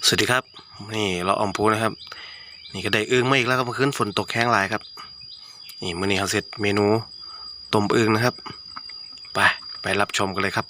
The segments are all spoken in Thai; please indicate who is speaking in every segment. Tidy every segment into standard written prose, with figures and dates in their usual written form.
Speaker 1: สวัสดีครับนี่เราออมปูนะครับนี่ก็ได้อึ้งมาอีกแล้วครับเมื่อคืนฝนตกแห้งหลายครับนี่มื้อนี้เราเสร็จเมนูต้มอึ้งนะครับไปรับชมกันเลยครับ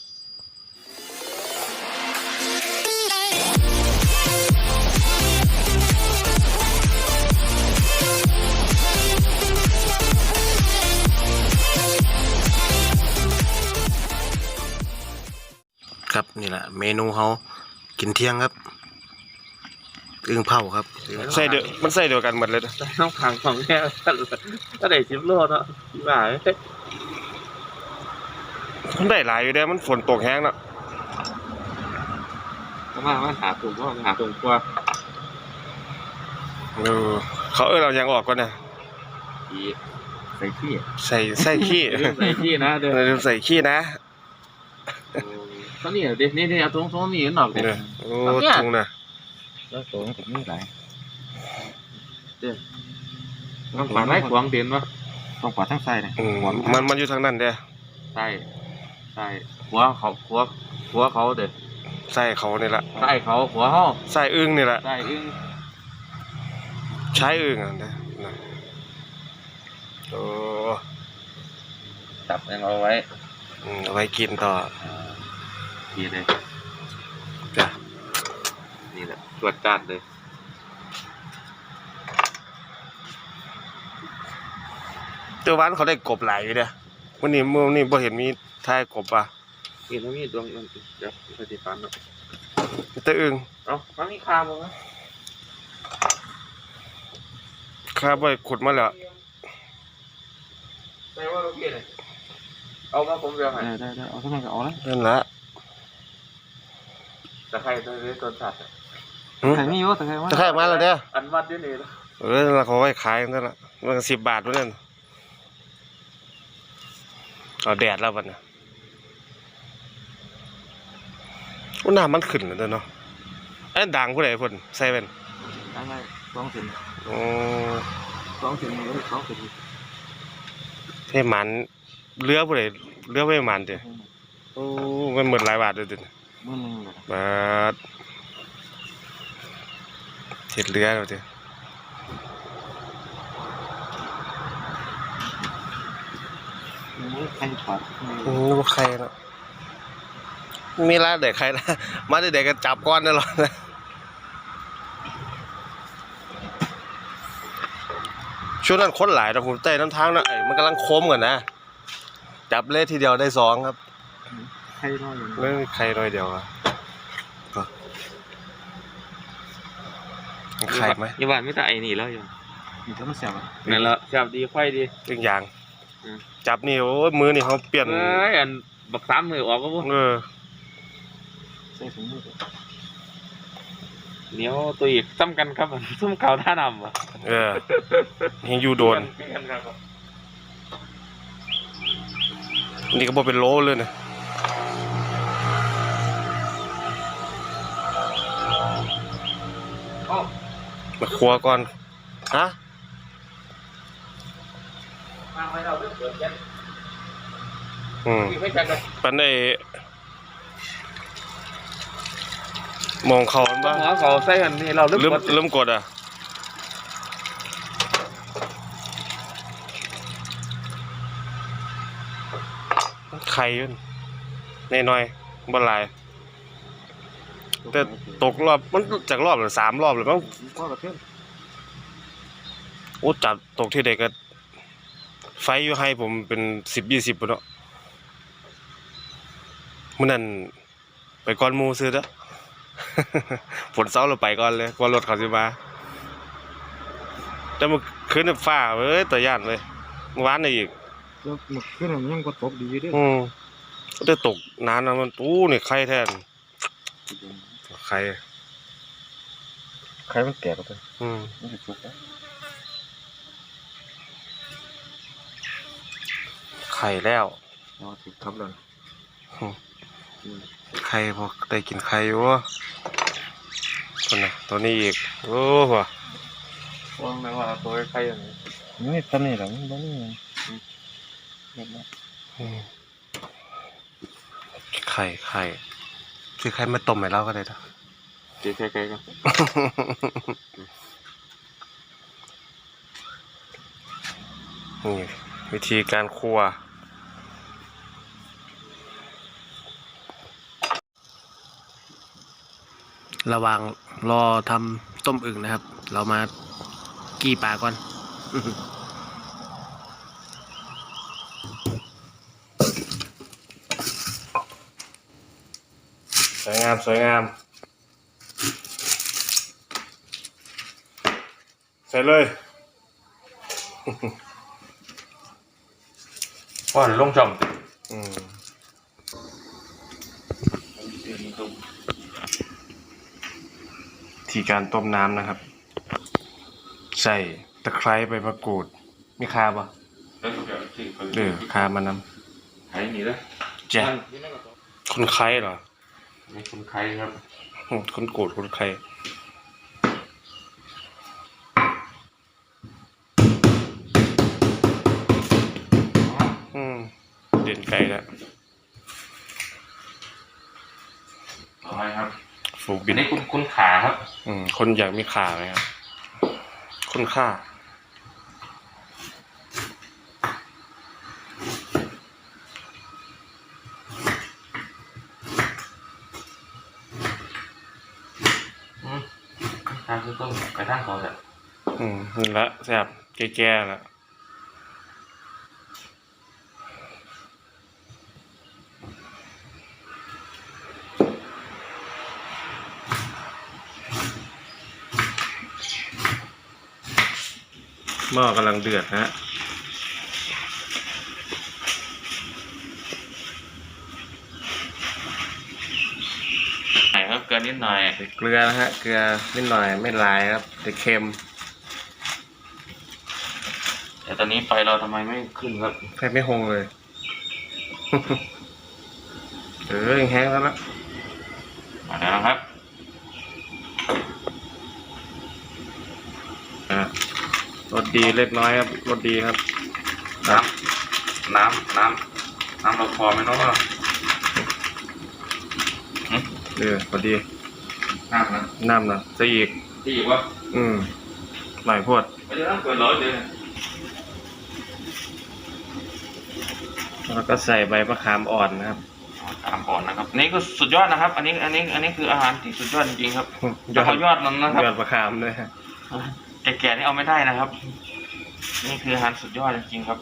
Speaker 1: ครับนี่แหละเมนูเขากินเที่ยงครับอึ้งเผาครับใส่เดียวมันใส่เดียวกันหมดเลยนะ
Speaker 2: ต้องขังของแค่ก็ได้10 โลเนาะที่ว่า
Speaker 1: มันได้หลายอยู่เด้มันฝนตกแห้งเนาะ
Speaker 2: มาหาถุงก็หาถุงกว่า
Speaker 1: เขาเรายังออกก่อนนะ
Speaker 2: ใส่ขี้
Speaker 1: ใส่ขี้
Speaker 2: ใส่ขี้นะเดี๋ยว
Speaker 1: ใส่ขี้นะ
Speaker 2: ตอนนี้เดี๋ยวนี่เอาถุงนี่หนอกเลย
Speaker 1: โอ้ถุงนะ
Speaker 2: แล้วถุงผมนี่หลายเดี๋ยวต้องปาดไม้ขวางเด่นวะต้องปาดทั้งไส้เลย
Speaker 1: มันอยู่ทางนั้นเด้
Speaker 2: ไส้หัวเขาเด็ด
Speaker 1: ไส้เขานี่แหละ
Speaker 2: ไส้เขาหัวเขา
Speaker 1: ไส้อึ้งนี่แหละ
Speaker 2: ไส้อึ้ง
Speaker 1: ใช้อึ้งอ่ะนะโอ้
Speaker 2: จับยังเอาไว้
Speaker 1: เอาไว้กินต่อ
Speaker 2: ดีเลย
Speaker 1: จ้ะ
Speaker 2: นี่แหละตรวจการเลย
Speaker 1: ตัววันเขาได้กบหลายอยู่เด้วันนี้บ่เห็นมีท่ายกบอ่ะ
Speaker 2: นี่มันมีดวงเดี๋ยวปฏิปันเนาะ
Speaker 1: ตัวอึ้ง
Speaker 2: มันมีคาบ่
Speaker 1: คาบ่ขุดมาแล้ว
Speaker 2: ได้ว่าโอเคเลยเอามาผมเดี๋ยวให้ได้เอาสักหน่อยก็เอาละ
Speaker 1: นั่นละ
Speaker 2: ตะไคร้ต้นสัตว์ตะไคร้ไม่อยู่ตะไคร้
Speaker 1: มาแล้วเด้อ
Speaker 2: อันวัดอยู่นี่
Speaker 1: แล้วเขาไว้ขายนั่นละมัน10 บาทวะนั่นเอาแดดแล้ววันน่ะน้ำมันขึ้นแล้วเนาะไอ้ด่างผู้ใดคนใส่เป็น
Speaker 2: ด่างอะไร2 เซน
Speaker 1: โอ้
Speaker 2: 2 เซนเลย2 เซน
Speaker 1: ให้มันเรือผู้ใดเรือไม่มันเด้อโอ้มันหมดหลายบาทเลยเด้อ10 บาทเห็ดเรือแล้วเด้อ
Speaker 2: ใครปัด
Speaker 1: ใครเนาะมีร้านเด็กใครนะมาเด็กกันจับก้อนได้หรอนะช่วงนั้นคนหลายแต่ผมเต้น้ำทางนะมันกำลังโค้งกันนะจับเล่ทีเดียวได้2ครับ
Speaker 2: ใครน้อย
Speaker 1: ไม่ใครน้อยเดียวอะใครไหม
Speaker 2: ยี่บ้านไม่แต่ไอ้นี่แล้วยังนี่ก็มันแซ่บนั่นแหละแซ่บดีไฟดี
Speaker 1: ทุกอย่างจับนี่โอ้มือนี่เขาเปลี่ยน
Speaker 2: อันบัก3 มือออกก็พวกใส่ถุงมือเหนียวตัวอีกซ้ำกันครับซุ่มเก่าท่านำอ่ะ
Speaker 1: ยังอยู่โดนนี่ก็บอกเป็นโลเลยนะมาครัวก่อนฮะปันได้มองเขาบ้าง
Speaker 2: เขาใส่กันนี่เราเ
Speaker 1: ริ่มกดอ่ะไข่ยุ่นน้อยบนลายแต่ตกรอบมันจากรอบหรือ3 รอบหรือมั้งโอ้จับตกที่เด็กก็ไฟอยู่ให้ผมเป็น10-20ปุ่นเนาะมื่อนั้นไปก้อนมูซื้อแล้วฝนเศร้าเราไปก่อนเลยก่อนรถเขาสิมาแต่เมื่อคืนฟ้าแต่ย่านเลยเมื่อวานนี่อีก
Speaker 2: เมื่อคืนมันยังก็ตกดีด้วย
Speaker 1: ก็ได้ตกนานนะมันนี่ไข่แทนไข่
Speaker 2: มันแก่แล้วมันจะสุกแล้ว
Speaker 1: ไข่แล้ว
Speaker 2: ถูกทับเลย
Speaker 1: ไข่พอได้กินไข่อยู่ตัวนี้อีกโอ้โห
Speaker 2: ว่างไหมว่าตัวไข่อย่างนี้นี่ตัวนี้หรอตัวนี้
Speaker 1: ไข่คือไข่มาต้มให้เราก็ได้นะ
Speaker 2: ตีไกลๆกัน
Speaker 1: นี่วิธีการคั่วระหว่างรอทำต้มอึ่งนะครับ เรามากี้ปลาก่อน สวยงามสวยงามใส่เลย
Speaker 2: ว่าลงจอม
Speaker 1: อืมที่การต้มน้ำนะครับ ใส่ตะไคร้ใบมะกรูดมีคาปะคามานำ
Speaker 2: ไข่นี่เลย
Speaker 1: แจ๊ะคนไคร้เหรอ
Speaker 2: นี่คุณไข่ครับ
Speaker 1: คนโกรธคนไคร้เด่นไกลแล้ว
Speaker 2: ต่อไปครับ
Speaker 1: ฝูกบิ
Speaker 2: อั
Speaker 1: น
Speaker 2: นนี้คุณขาครับ
Speaker 1: คนอยากมีขาไหมครับ คนฆ่า
Speaker 2: ทางคือต้มไปทางเขาแต่
Speaker 1: นี่ละแซ่บแก่ๆแล้วหม้อกำลังเดือดนะฮะ
Speaker 2: ไหนครับเกลือนิดหน่อย
Speaker 1: ใส่เกลือนะฮะ เกลือนิดหน่อยไม่หลายครับแต่เค็ม
Speaker 2: แต่ตอนนี้ไฟเราทำไมไม่ขึ้นครับ
Speaker 1: แทบไม่หงเลย ยังแห้งแล้วนะ
Speaker 2: มาแล้วนะครับ
Speaker 1: รสดีเล็กน้อยครับรสดีครับ
Speaker 2: น้ำเราพอไหมเนาะ
Speaker 1: พอดี
Speaker 2: น้ำนะ
Speaker 1: น้ำนะใส่อีก
Speaker 2: ที่อีกว่า
Speaker 1: หน่อยพวด
Speaker 2: ไม่ได้ต้องเกินร้อยเลย
Speaker 1: แล้วก็ใส่ใบมะขามอ่อนนะครับ
Speaker 2: ตามก่อนนะครับนี่คือสุดยอดนะครับ อันนี้คืออาหารที่สุดยอดจริงๆครับยอดยอดนั้นนะครับ
Speaker 1: ยอดมะขามด้วยฮะ
Speaker 2: แก่ๆนี่เอาไม่ได้นะครับ นี่คืออาหารสุดยอดจริงๆครับ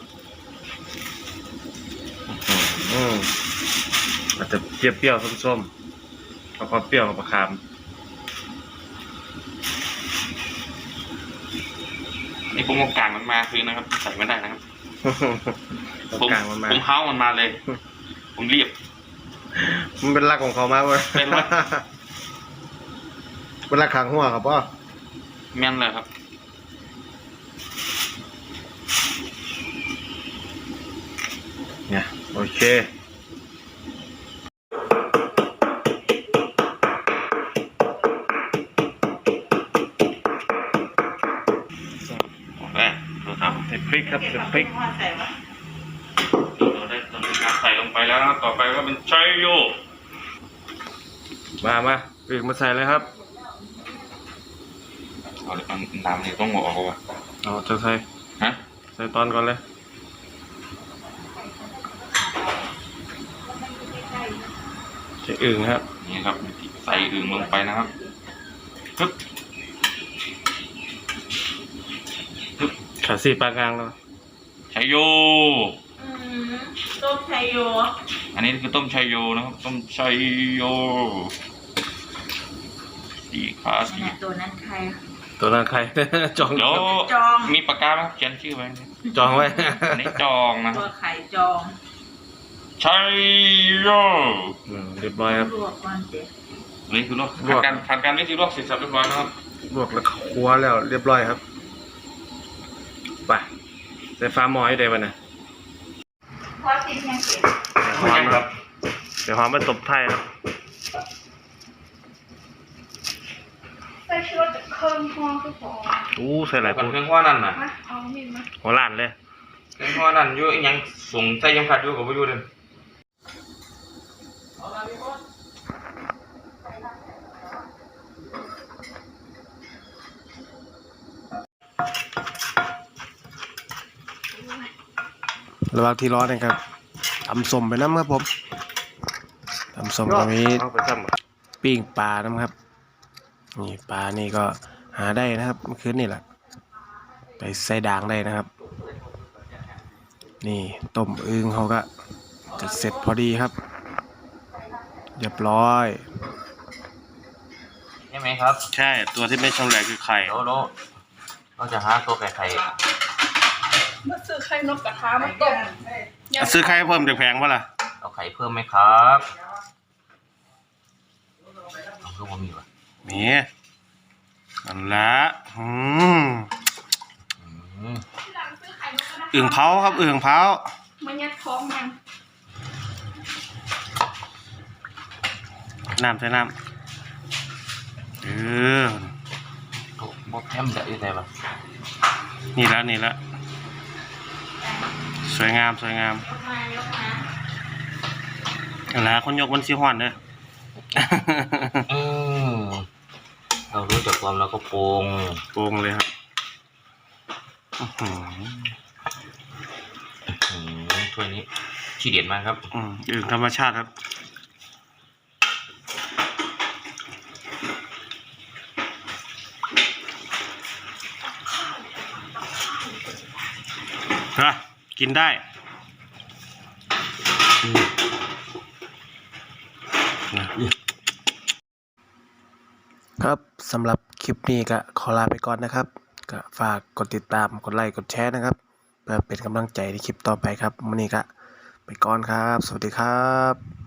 Speaker 1: อาจจะเปรี้ยวๆส้มๆแล้วก็เปรี้ยวกับมะขาม
Speaker 2: นี่ผมเอากางมันมาคือนะครับใส่ไม่ได้นะครับ
Speaker 1: กลางมันมา
Speaker 2: ผมเฮ้ามันมาเลย ผมรีบ
Speaker 1: มันเป็นรักของเขามากเว้ย
Speaker 2: เป็นรัก
Speaker 1: เป็นรักขังหัวครับพ่อ
Speaker 2: แม่นเลยครับ
Speaker 1: เนี่ยโอเค
Speaker 2: โอเคดูครับ
Speaker 1: ใส่พริกครับใส่พริก
Speaker 2: เราได้ทำการใส่ลงไปแล้วนะครับต่อไปก็เป็นชัยโย
Speaker 1: มาพริกมาใส่เลยครับ
Speaker 2: เอาน้ำนี่ต้องหมดออกว่ะ
Speaker 1: เอาจะใส่
Speaker 2: ฮะ
Speaker 1: ใส่ตอนก่อนเลยใส่อึ่งครับ
Speaker 2: นี่ครับใส่อึ่งลงไปนะครับปึ๊บ
Speaker 1: ขาสีปลากลางแล้ว
Speaker 2: ชัยโย
Speaker 3: ต้มไทยโย
Speaker 2: อันนี้คือต้มชัยโยนะครับต้มชัยโยสีขาสี
Speaker 3: เนี่ยตัวนั้นใคร
Speaker 1: ตัวนั้นใคร จอง
Speaker 2: เดี๋ยว
Speaker 3: จอง
Speaker 2: มีปากกาไหมครับเขียนชื่อไว้
Speaker 1: จองไว้
Speaker 2: อันนี้จองนะค
Speaker 3: ตั
Speaker 2: รั
Speaker 3: ว
Speaker 2: บ
Speaker 3: ไข่จอง
Speaker 2: ชัยโย
Speaker 1: เรียบร้อยครับ
Speaker 3: ลวกก่อนเด็ด
Speaker 2: อันนี้คือลวก
Speaker 1: ลวก
Speaker 2: ผ่านการวิธีลวกเสร็จสับเรียบร้อยนะครับ
Speaker 1: ลวกแล้วคั่วแล้วเรียบร้อยครับไปใส่ฟ้าหมอยได้ป่ะเนี่ย
Speaker 3: พอติดยังเก็บ
Speaker 1: หอมครับเดี๋ยวหอมมาตบไทยครับ
Speaker 3: ใส่ชุดเครื่องห่อคือพอ
Speaker 1: ใส่หลาย
Speaker 2: กั
Speaker 1: ปู
Speaker 2: นเครื่องว่านั่นน่ะ
Speaker 3: มาเอามีดมา
Speaker 1: หัวล้านเลย
Speaker 2: เครื่องว่านั่นอยู่ยังส่งใส่ยังขัดอยู่กับอยู่เลย
Speaker 1: ระหว่างที่ร้อนนะครับตำส้มไปน้ำครับผมตำส้มก็มีปิ้งปลาน้ำครับนี่ปลานี่ก็หาได้นะครับเมื่อคืนนี่แหละไปใส่ด่างได้นะครับนี่ต้มอึ่งเขาก็จะเสร็จพอดีครับเรียบร้อย
Speaker 2: ใช่ไหมครับ
Speaker 1: ใช่ตัวที่ไม่ชำแหละคือไข่
Speaker 2: โลเราจะหาตัวไข่
Speaker 3: มาซื้อไข่นกกระทามาต้ม
Speaker 1: ซื้อไข่เพิ่มจากแพงป่ะล่ะ
Speaker 2: เอาไข่เพิ่มไหมครับเอาเพิ่มบ่มีวะ
Speaker 1: มีอันละ
Speaker 2: อืม
Speaker 3: ที่หลังซื้อไข่นกกระทา
Speaker 1: อึ่งเผาครับอึ่งเผา
Speaker 3: มันยัดท้องมัน
Speaker 1: น้ำใส่น้ำ
Speaker 2: บดแฮมจะอยู่ไหนวะ
Speaker 1: นี่ละสวยงาม
Speaker 3: ยกมา
Speaker 1: อันละคนยกมันสิฮ้อนเด้อ
Speaker 2: เรารู้จักความแล้วก็โปง
Speaker 1: โกงเลยครับ
Speaker 2: ถ้วยนี้ขี้เด็ดมากครับ
Speaker 1: อึ่งธรรมชาติครับกินได้ครับสำหรับคลิปนี้ก็ขอลาไปก่อนนะครับก็ฝากกดติดตามกดไลค์กดแชร์นะครับเพื่อเป็นกำลังใจในคลิปต่อไปครับวันนี้ก็ไปก่อนครับสวัสดีครับ